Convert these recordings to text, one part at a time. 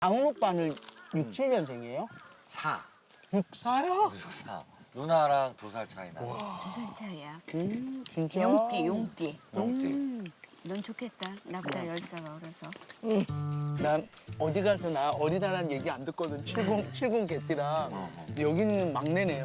아훈 오빠는 6, 7년생이에요? 4. 6, 4요? 4. 누나랑 2살 차이 나. 2살 차이야. 진짜? 용띠, 용띠. 용띠. 넌 좋겠다. 나보다 10살 어려서. 난 어디 가서 나 어리다란 얘기 안 듣거든. 70 개띠랑. 여기는 막내네요.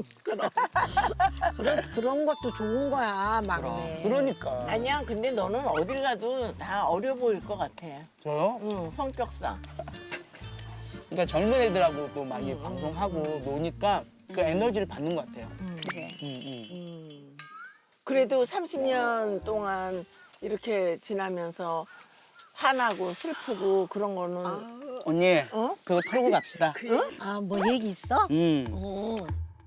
그런 것도 좋은 거야, 막내. 그러니까. 아니야, 근데 너는 어딜 가도 다 어려 보일 것 같아. 저요? 응, 성격상. 그러니까 젊은 애들하고 또 많이 방송하고 노니까 그 에너지를 받는 것 같아요. 그래. 그래도 30년 동안 이렇게 지나면서 화나고 슬프고 그런 거는 언니, 어? 그거 털고 갑시다. 아, 뭐 얘기 있어? 어.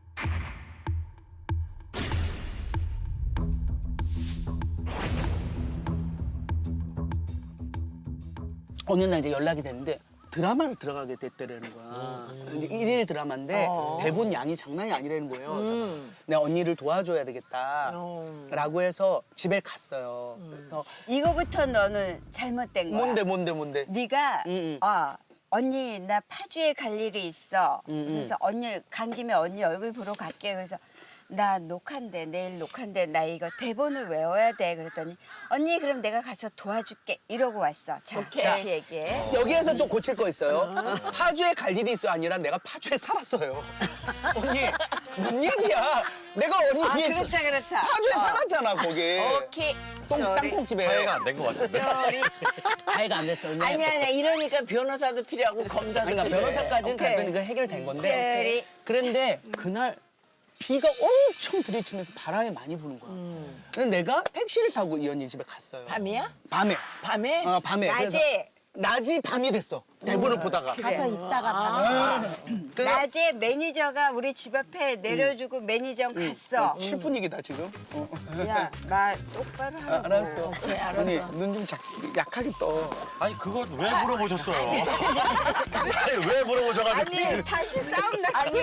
어느 날 이제 연락이 됐는데 드라마를 들어가게 됐다라는 거야. 근데 일일 드라마인데 대본 양이 장난이 아니라는 거예요. 그래서 내가 언니를 도와줘야 되겠다라고 해서 집에 갔어요. 그래서 이거부터 너는 잘못된 거야. 뭔데? 네가 응. 언니 나 파주에 갈 일이 있어. 그래서 언니 간 김에 언니 얼굴 보러 갈게. 그래서 나 녹화인데 내일 녹화인데 나 이거 대본을 외워야 돼. 그랬더니 언니 그럼 내가 가서 도와줄게 이러고 왔어. 자, 다시 얘기해. 여기에서 또 고칠 거 있어요. 파주에 갈 일이 있어 아니라 내가 파주에 살았어요. 언니, 뭔 얘기야? 내가 언니 아 뒤에 그렇다. 파주에 살았잖아, 거기. 오케이. 땅콩집에. 화해가 안 된 것 같은데. 쏘리. 화해가 안 됐어. 언니. 아니야, 이러니까 변호사도 필요하고 검사도 그러니까 필요해. 변호사까지는 오케이. 답변이 그 해결된 건데. 쏘리. 그런데 그날 비가 엄청 들이치면서 바람이 많이 부는 거야. 근데 내가 택시를 타고 이 언니 집에 갔어요. 밤이야? 밤에. 밤에? 밤에. 그래서 낮에 낮이 밤이 됐어. 대본을 보다가. 가서 있다가 밤에. 그래서 낮에 매니저가 우리 집 앞에 내려주고 매니저 갔어. 7분위기다 지금. 야, 나 똑바로 하라고. 알았어. 오케이, 알았어. 언니 눈 좀 약하게 떠. 아니 그걸 왜 물어보셨어요? 아니 왜 물어보셔가지고 지금. 아니, 다시 싸움 나. 아니,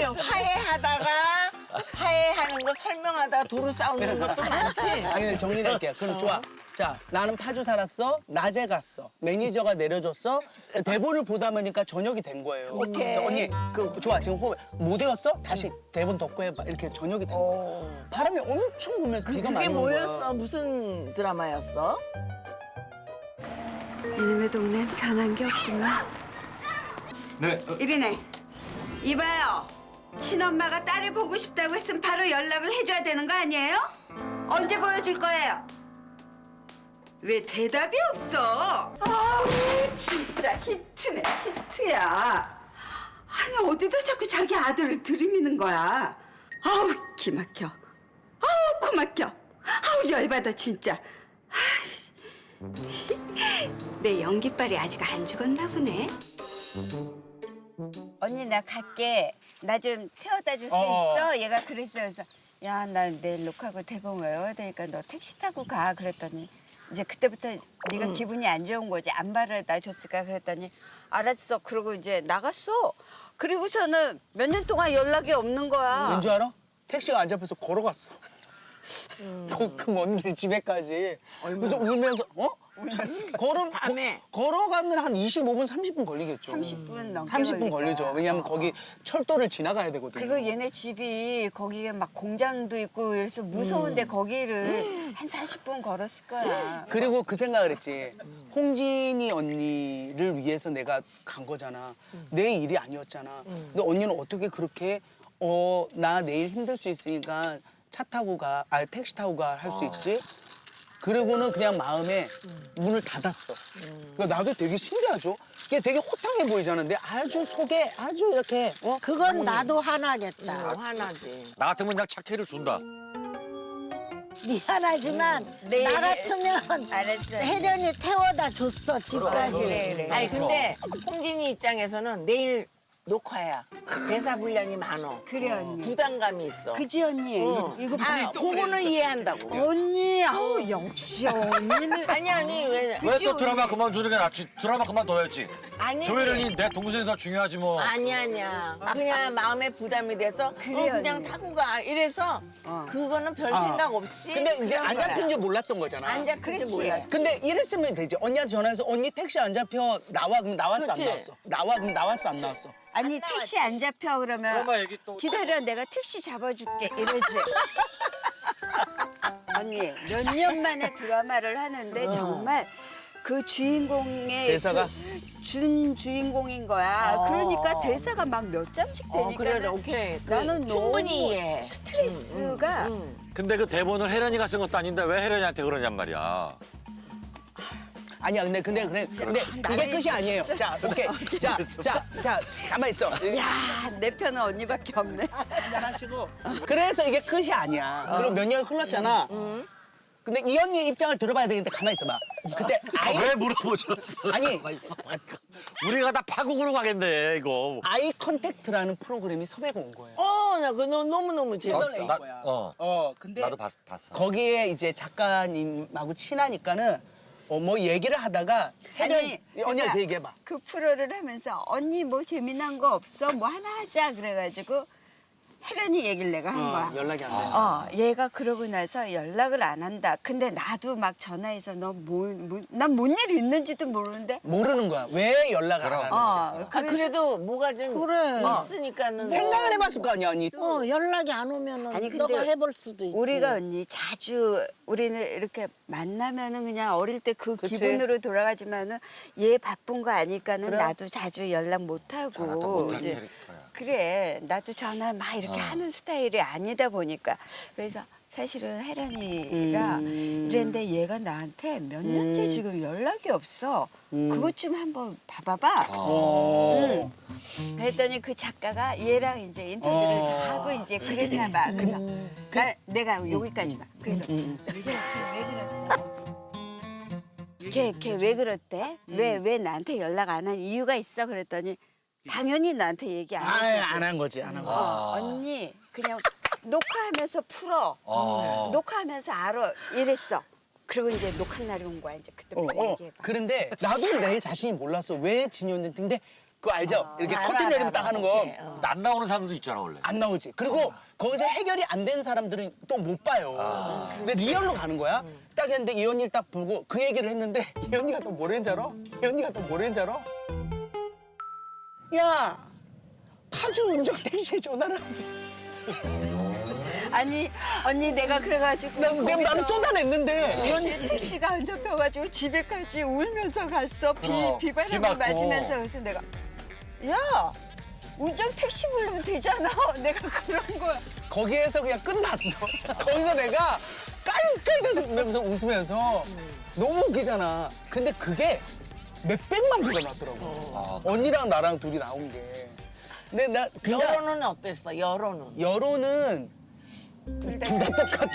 화해하는 거 설명하다가 도로 싸우는 것도 많지. 아니 근데 정리를 할게요. 그럼 좋아. 자, 나는 파주 살았어. 낮에 갔어. 매니저가 내려줬어. 대본을 보다 보니까 저녁이 된 거예요. 오케이. 그래서 언니, 그 좋아. 지금 호흡 못 외웠어? 다시 대본 덮고 해봐. 이렇게 저녁이 된 거야. 바람이 엄청 불면서 비가 그게 많이 온 거야. 뭐였어? 무슨 드라마였어? 이놈의 동네는 변한 게 없구만. 네. 이리네. 이봐요. 친엄마가 딸을 보고 싶다고 했으면 바로 연락을 해줘야 되는 거 아니에요? 언제 보여줄 거예요? 왜 대답이 없어? 아우 진짜 히트네 히트야. 아니 어디다 자꾸 자기 아들을 들이미는 거야. 아우 기막혀. 아우 코막혀. 아우 열받아 진짜. 아이, 내 연기빨이 아직 안 죽었나 보네. 언니 나 갈게. 나 좀 태워다 줄 수 있어? 얘가 그랬어. 그래서 야 나 내일 녹화하고 대본 외워야 되니까 너 택시 타고 가. 그랬더니 이제 그때부터 네가 기분이 안 좋은 거지. 안 바라다 줬을까 그랬더니 알았어. 그러고 이제 나갔어. 그리고서는 몇 년 동안 연락이 없는 거야. 왠줄 알아? 택시가 안 잡혀서 걸어갔어. 그 먼 길 집에까지. 그래서 울면서 밤에. 걸어가면 한 25분, 30분 걸리겠죠. 30분 넘게 30분 걸릴 걸리죠. 거야. 왜냐하면 거기 철도를 지나가야 되거든요. 그리고 얘네 집이 거기에 막 공장도 있고 그래서 무서운데 거기를 한 40분 걸었을 거야. 그리고 그 생각을 했지. 홍진이 언니를 위해서 내가 간 거잖아. 내 일이 아니었잖아. 근데 언니는 어떻게 그렇게 나 내일 힘들 수 있으니까 차 타고 가, 택시 타고 가 할 수 있지? 그리고는 그냥 마음에 문을 닫았어. 그러니까 나도 되게 신기하죠? 이게 되게 호탕해 보이잖아. 근데 아주 속에 아주 이렇게 그건 나도 화나겠다. 화나지. 나 같으면 그냥 차키를 준다. 미안하지만 내일- 나 같으면 알았어. 혜련이 태워다 줬어 집까지. 그래. 아니 근데 홍진이 입장에서는 내일 녹화야. 대사 분량이 많어. 그래 언니. 부담감이 있어. 그지 언니. 이거 아, 그거는 이해한다고. 언니 아우 역시 언니는 아니 왜? 왜 또 드라마 그만두는 게 낫지? 드라마 그만둬야지. 아니지. 조혜련이 내 동생이 더 중요하지 뭐. 아니야. 그냥 마음에 부담이 돼서 그냥 언니. 타고 가. 이래서 그거는 별 생각 없이. 근데 이제 그런 안 거야. 잡힌 줄 몰랐던 거잖아. 안 잡힐 줄 그렇지. 몰라. 근데 이랬으면 되지. 언니한테 전화해서 언니 택시 안 잡혀. 나와. 그럼 나왔어 안 그렇지. 나왔어? 나와. 그럼 나왔어 안 나왔어? 아니 택시 안 잡혀 그러면 엄마 얘기 또- 기다려 내가 택시 잡아줄게 이러지. 언니 몇 년 만에 드라마를 하는데 정말 그 주인공의 대사가? 준 주인공인 거야. 그러니까 대사가 막 몇 장씩 되니까 그래, 오케이. 나는 충분히 너무 이해해. 스트레스가 근데 그 대본을 혜련이가 쓴 것도 아닌데 왜 혜련이한테 그러냔 말이야. 아니야. 근데 이게 끝이 아니에요. 자, 오케이. 자, 가만 있어. 야 내 편은 언니밖에 없네. 한잔하시고. 그래서 이게 끝이 아니야. 그리고 몇 년 흘렀잖아. 근데 이 언니의 입장을 들어봐야 되는데 가만 있어봐. 그때 아이 왜 물어보셨어? 아니. 우리가 다 파국으로 가겠네 이거. 아이 컨택트라는 프로그램이 섭외가 온 거예요. 나 그거 너무너무 재밌어. 근데 나도 봤어. 거기에 이제 작가님하고 친하니까는 뭐 얘기를 하다가 혜련이 언니한테 얘기해봐. 그 프로를 하면서 언니 뭐 재미난 거 없어? 뭐 하나 하자 그래가지고 혜련이 얘기를 내가 한 거야. 연락이 안 돼. 얘가 그러고 나서 연락을 안 한다. 근데 나도 막 전화해서 난 뭔 일이 있는지도 모르는데. 모르는 거야. 왜 연락 안 하는지. 그래도 뭐가 좀 그래. 있으니까는. 생각을 해봤을 거 아니야, 언니. 연락이 안 오면은 아니, 근데 너가 해볼 수도 있지. 우리가 언니 자주 우리는 이렇게 만나면은 그냥 어릴 때 그 그치. 기분으로 돌아가지만은 얘 바쁜 거 아니까는 나도 자주 연락 못 하고 못할 이제 캐릭터야. 그래 나도 전화 막 이렇게 하는 스타일이 아니다 보니까 그래서 사실은 혜란이가 이랬는데 얘가 나한테 몇 년째 지금 연락이 없어. 그것 좀 한번 봐봐봐. 응. 그랬더니 그 작가가 얘랑 이제 인터뷰를 다 하고 이제 그랬나 봐. 그래서 내가 여기까지만. 그래서 걔 왜 그랬대? 왜 나한테 연락 안 한 이유가 있어? 그랬더니 당연히 나한테 얘기 안 해. 안 한 거지, 안 한 거지. 언니 그냥 녹화하면서 풀어. 녹화하면서 알아. 이랬어. 그리고 이제 녹화 날이 온 거야. 이제 그때부터 얘기해봐. 그런데 나도 내 자신이 몰랐어. 왜 진이었는지. 근데 그거 알죠? 이렇게 커튼 내리면 딱 하는 거. 오케이. 안 나오는 사람도 있잖아 원래. 안 나오지. 그리고 거기서 해결이 안 된 사람들은 또 못 봐요. 근데 리얼로 가는 거야. 딱 했는데 이 언니를 딱 보고 그 얘기를 했는데 이 언니가 또 뭐랬는지 알아? 이 언니가 또 뭐랬는지 알아? 야, 파주 운전 택시에 전화를 하지. 아니 언니 내가 그래가지고 나는 거기서 쏟아냈는데 택시가 안 잡혀가지고 집에까지 울면서 갔어. 비 비바람을 맞고. 맞으면서. 그래서 내가 야 운전 택시 부르면 되잖아. 내가 그런 거야. 거기에서 그냥 끝났어. 거기서 내가 깔깔대면서 웃으면서 너무 웃기잖아. 근데 그게 몇백만 뷰가 났더라고. 언니랑 나랑 둘이 나온 게. 근데 나 그냥 여론은 어땠어? 여론은? 둘 다 똑같아.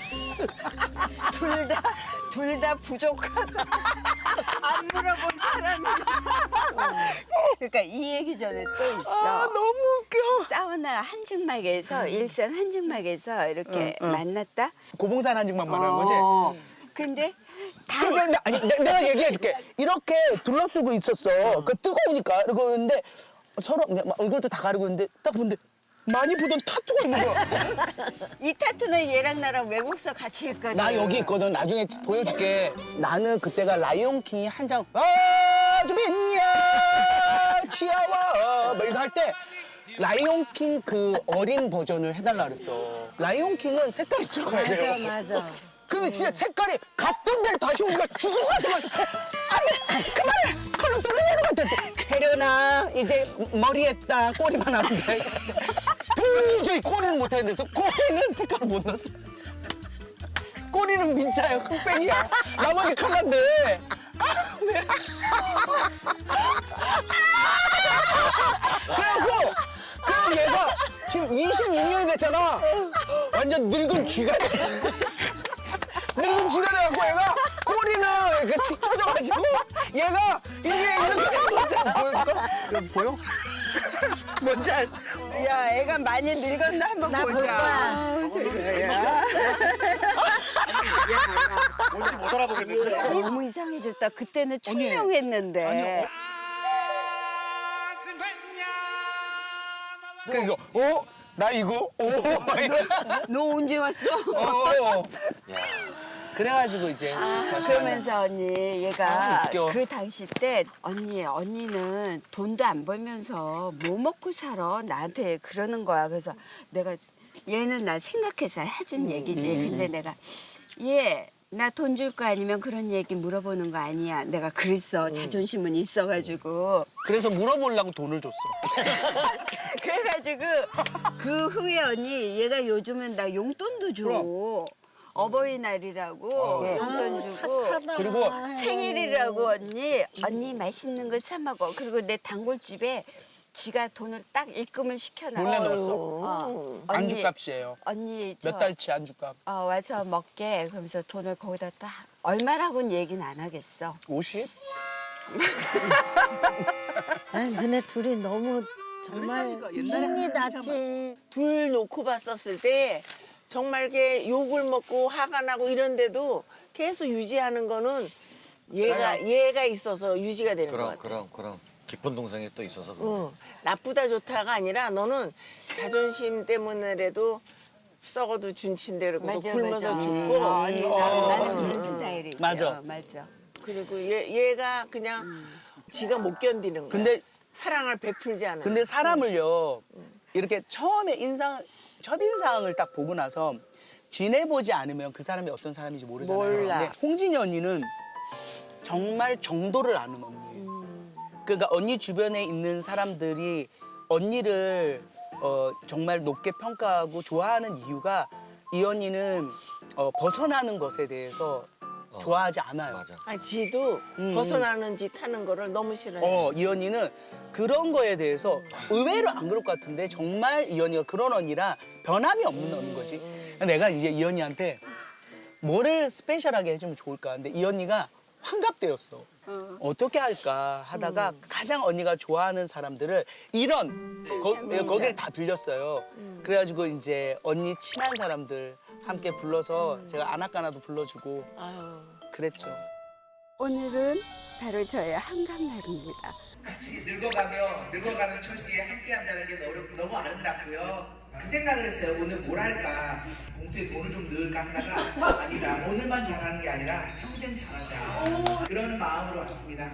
둘 다 부족하다. 안 물어본 사람이. 그러니까 이 얘기 전에 또 있어. 너무 웃겨. 사우나 한증막에서 일산 한증막에서 이렇게 만났다. 고봉산 한증만 말하는 거지? 근데 다 근데 아니 내가 얘기해줄게. 이렇게 둘러쓰고 있었어. 그 뜨거우니까 그러는데 서로 그냥 막 얼굴도 다 가리고 있는데 딱 보는데 많이 보던 타투가 있는 거야. 이 타투는 얘랑 나랑 외국서 같이 했거든. 나 여기 있거든. 나중에 보여줄게. 나는 그때가 라이온킹이 한 장. 아주 빛냐 치아와 뭐 이거 할 때 라이온킹 그 어린 버전을 해달라 그랬어. 라이온킹은 색깔이 들어가야 돼요. 맞아. 근데 진짜 색깔이 같은 데를 다시 오니까 죽을 것 같아서 안돼 그만해 컬러 돌려내는 것 같아. 혜련아 이제 머리 했다 꼬리만 하면 돼. 도저히 꼬리는 못하는데 그래서 꼬리는 색깔을 못 넣었어. 꼬리는 민자야 흑백이야. 나머지 컬러인데 그래갖고 얘가 지금 26년이 됐잖아. 완전 늙은 쥐가 됐어. 늙은 쥐가 돼갖고 얘가 꼬리는 이렇게 축 처져가지고 얘가 이게 이렇게 된 거잖아. 보였어? 보여? 뭔지 알. 야, 애가 많이 늙었나 한번 나 볼 보자. 거야. 세상에야. 뭔지 못 알아보겠는데. 너무 이상해졌다. 그때는 총명했는데. 그 이거 나 이거 너 언제 왔어? 그래가지고 이제 그러면서 언니 얘가 웃겨. 그 당시 때 언니는 돈도 안 벌면서 뭐 먹고 살아 나한테 그러는 거야. 그래서 내가 얘는 나 생각해서 해준 얘기지. 근데 내가 얘 나 돈 줄 거 아니면 그런 얘기 물어보는 거 아니야. 내가 그랬어. 자존심은 있어가지고. 그래서 물어보려고 돈을 줬어. 그래가지고 그 후에 언니 얘가 요즘은 나 용돈도 줘. 어버이날이라고 용돈 주고. 착하다. 그리고 생일이라고 언니 맛있는 거 사 먹어. 그리고 내 단골집에 지가 돈을 딱 입금을 시켜놔. 몰래 넣었어. 안주값이에요. 언니 몇 달치 안주값? 와서 먹게. 그러면서 돈을 거기다 딱 얼마라고는 얘기는 안 하겠어. 50? 아니, 너네 둘이 너무 정말 옛날이니까, 옛날에 신이 났지. 둘 놓고 봤었을 때 정말 이렇게 욕을 먹고 화가 나고 이런데도 계속 유지하는 거는 얘가 있어서 유지가 되는 것 같아. 그럼. 깊은 동생이 또 있어서. 응. 나쁘다 좋다가 아니라 너는 자존심 때문에라도 썩어도 준친대로 굶어서 죽고 언니 나는 그런 스타일이죠. 맞아. 맞아. 그리고 얘가 그냥 지가 못 견디는 거야. 근데 사랑을 베풀지 않아. 근데 사람을요 이렇게 처음에 첫인상을 딱 보고 나서 지내보지 않으면 그 사람이 어떤 사람인지 모르잖아요. 몰라. 근데 홍진이 언니는 정말 정도를 아는 언니예요. 그러니까 언니 주변에 있는 사람들이 언니를 정말 높게 평가하고 좋아하는 이유가 이 언니는 벗어나는 것에 대해서 좋아하지 않아요. 맞아. 지도 벗어나는 짓 하는 거를 너무 싫어해. 이 언니는 그런 거에 대해서 의외로 안 그럴 것 같은데 정말 이 언니가 그런 언니라 변함이 없는 언니인 거지. 내가 이제 이 언니한테 뭐를 스페셜하게 해주면 좋을까 근데 이 언니가 환갑대였어. 어떻게 할까 하다가 가장 언니가 좋아하는 사람들을 거기를 다 빌렸어요. 그래가지고 이제 언니 친한 사람들 함께 불러서 제가 아나까나도 불러주고 그랬죠. 오늘은 바로 저의 한강날입니다. 같이 늙어가는 처지에 함께한다는 게 너무 아름답고요. 그 생각을 했어요. 오늘 뭘 할까? 봉투에 돈을 좀 넣을까 하다가 아니다. 오늘만 잘하는 게 아니라 평생 잘하자. 그런 마음으로 왔습니다.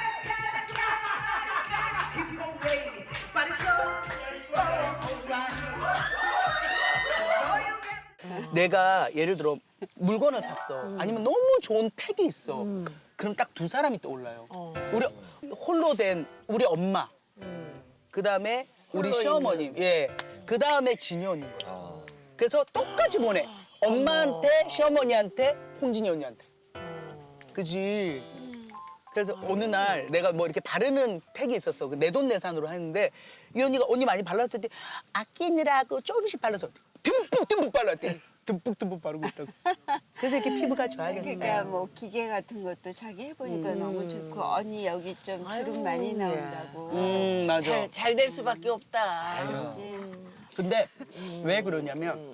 내가 예를 들어 물건을 샀어. 아니면 너무 좋은 팩이 있어. 그럼 딱 두 사람이 떠올라요. 우리 홀로 된 우리 엄마. 그다음에 우리 시어머님. 예. 그다음에 진이 언니인 거야. 그래서 똑같이 보내. 엄마한테, 시어머니한테, 홍진이 언니한테. 그지? 그래서 어느 날 내가 뭐 이렇게 바르는 팩이 있었어. 내돈내산으로 했는데 이 언니가 언니 많이 발랐을 때 아끼느라고 조금씩 발라서 듬뿍 발랐대. 듬뿍 바르고 있다고. 그래서 이렇게 피부가 좋아졌어요. 그러니까 뭐 기계 같은 것도 자기 해보니까 너무 좋고 언니 여기 좀 주름 많이 나온다고. 맞아. 잘 될 수밖에 없다. 근데 왜 그러냐면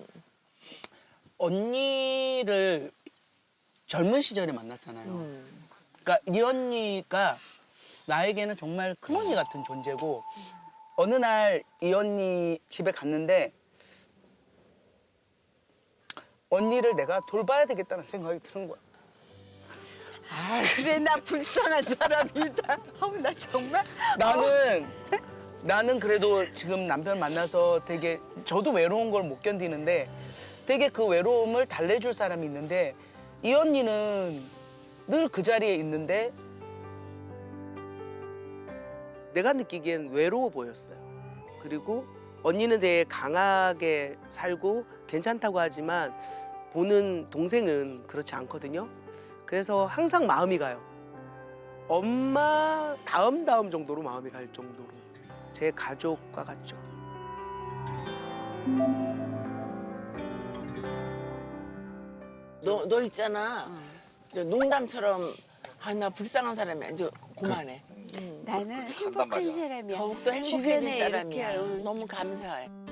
언니를 젊은 시절에 만났잖아요. 그러니까 이 언니가 나에게는 정말 큰 언니 같은 존재고 어느 날 이 언니 집에 갔는데 언니를 내가 돌봐야 되겠다는 생각이 드는 거야. 그래 나 불쌍한 사람이다. 나 정말 나는 그래도 지금 남편 만나서 되게 저도 외로운 걸 못 견디는데 되게 그 외로움을 달래줄 사람이 있는데 이 언니는 늘 그 자리에 있는데 내가 느끼기엔 외로워 보였어요. 그리고 언니는 되게 강하게 살고 괜찮다고 하지만 보는 동생은 그렇지 않거든요. 그래서 항상 마음이 가요. 엄마 다음 정도로 마음이 갈 정도로 제 가족과 같죠. 너 있잖아. 저 농담처럼 나 불쌍한 사람이야. 이제 그만해. 나는 행복한 사람이야. 더욱더 행복해질 주변에 사람이야. 이렇게 너무 감사해.